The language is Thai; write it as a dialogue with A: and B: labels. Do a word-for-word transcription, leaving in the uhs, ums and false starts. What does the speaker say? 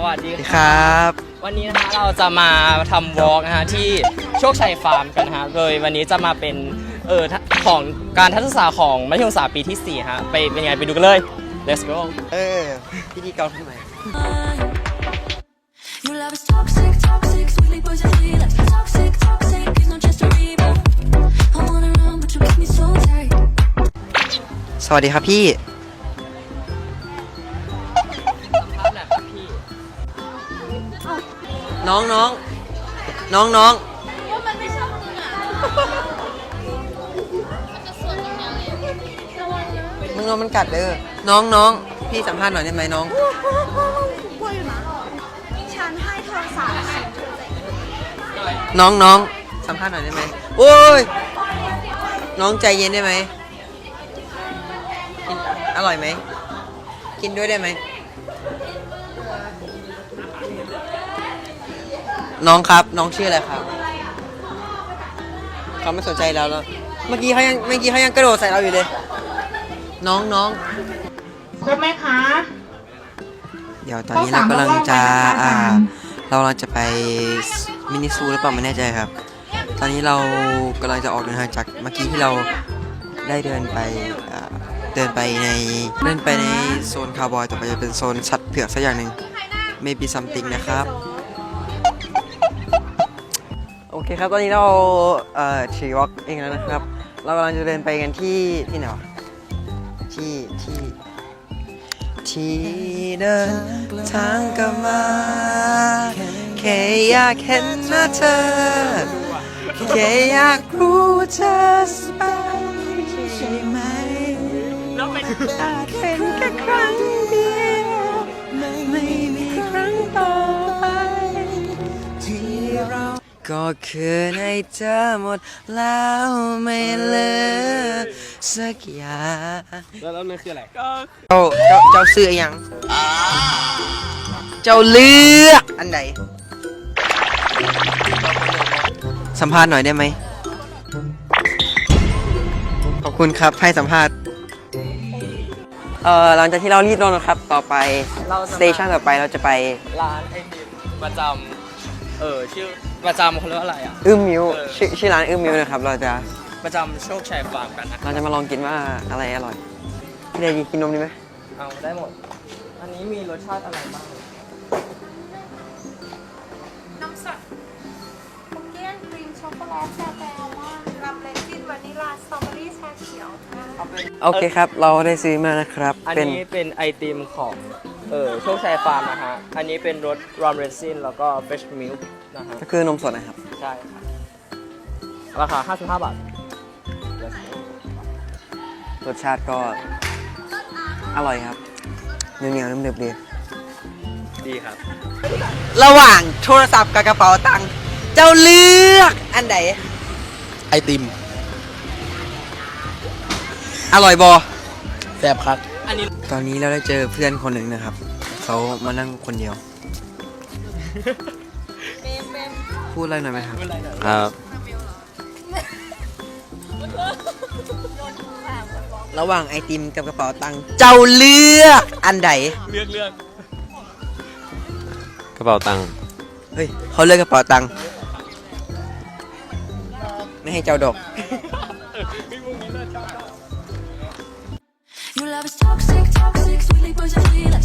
A: วัสดี
B: ครับ
A: วันนี้นะคะเราจะมาทำวอล์กนะฮะที่โชคชัยฟาร์มกันนะฮะโดยวันนี้จะมาเป็นเออของการทัศนศึกษาของมัธยมศึกษาปีที่สี่ฮะไปเป็นไงไปดูกันเลย let's go
B: เออพิธีกรทำไม
C: Your love is toxic, toxic, sweetly poisonally like toxic, toxic. It's not just a rebound. I wanna run, but you keep me so tight.
B: สวัสดีครับพี่
A: ภาพแหละครับพี่
B: น้องน้องน้องน้องมึงน้องมันกัดเด้อน้องน้องพี่สัมภาษณ์หน่อยได้ไหมน้อง
D: กลัวอยู่นะฉันให้โทรศัพท์
B: น้องน้องสัมภาษณ์หน่อยได้ไหมโอ้ยน้องใจเย็นได้ไหมกินอร่อยไหมกินด้วยได้ไหมน้องครับน้องชื่ออะไรครับเขาไม่สนใจเราแล้วเมื่อกี้เขายังเมื่อกี้เขายังกระโดดใส่เราอยู่เลยน้องน้อง
D: ครบไหมคะ
B: เดี๋ยวตอนนี้เรากำลังจะอ่าเรากำลังจะไปมินิซูหรือเปล่าไม่แน่ใจครับ ตอนนี้เรากำลังจะออกเดินทางจากเมื่อกี้ที่เราได้เดินไปอ่าเดินไปในเดินไปในโซนคาวบอยต่อไปจะเป็นโซนสัตว์เผือกสักอย่างหนึ่ง maybe something นะครับโอเคครับตอนนี้เราเอ่อขี่วอล์กเองแล้วนะครับ เรากำลังจะเดินไปกันที่ที่ไหนวะที่ที่ที่เดินทางกลับมาแค่อยากเห็นหน้าเธอแค่อยากรู้ว่าเธอสบายใช่ไหมอาจเป็นแค่ครั้งเดียวไม่มีครั้งต่อไปที่เราก็คือในเธอหมดแล้วไม่เหลือสักอย่าง
A: แล้วแล้วนั่นคืออะไร
B: เจ้าเจ้าเจ้าซื้อยังเจ้าเลือกอันไหนสัมภาษณ์หน่อยได้ไหมขอบคุณครับให้สัมภาษณ์เอ่อหลังจากที่เรารีบลงนะครับต่อไปสเตชันต่อไปเราจะไป
A: ร้านไอติมประจำเออชื่อประจำเขาเรียกว่าอะไรอ่ะ
B: อื้มมิว
A: เออ
B: ชื่อชื่อร้านอื้มมิวนะครับเราจะ
A: ประจำโชคชัยฟาร์มกันนะ
B: เราจะมาลองกินว่าอะไรอร่อยพี่เดย์กินนมดีไหม
A: เอาได้หมด อันนี้มีรสชาติอะไรบ้าง
D: น้ำสดคุกกี้ครีมช็อกโกแลตแซแบลว่ารับเลซินวานิลลาสตรอเบอรี่ชาเขียวค่ะ
A: เอาเป็น
B: โอเคครับเราได้ซื้อมานะครับ
A: อัน
B: เป็น
A: นี้เป็นไอติมของเออโชคชัยฟาร์มนะฮะ อันนี้เป็นรสรอมเรซินแล้วก็เฟชมิลค์นะฮะ
B: ก็คือนมสดนะครับ
A: ใช่ค่ะราคาห้าสิบห้าบาท
B: รสชาติก็อร่อยครับเหนียวเหนียวๆนุ่มๆดี
A: ดีครับ
B: ระหว่างโทรศัพท์กับกระเป๋าตังค์เจ้าเลือกอันไหน
E: ไอติม
B: อร่อยบอ
E: แซ่บครับ
A: อันนี้
B: ตอนนี้เราได้เจอเพื่อนคนหนึ่งนะครับ เขามานั่งคนเดียว พูดอะไรหน่อยไหมครับ
E: ครับ
B: ระหว่างไอติมกับกระเป๋าตังค์เจ้าเลือกอันไหน
A: เลือกเลือก
E: กระเป๋าตังค์
B: เฮ้ยเขาเลือกกระเป๋าตังค์ไม่ให้เจ้าดอก
C: Your love is toxic, toxic, sweetly poisonally like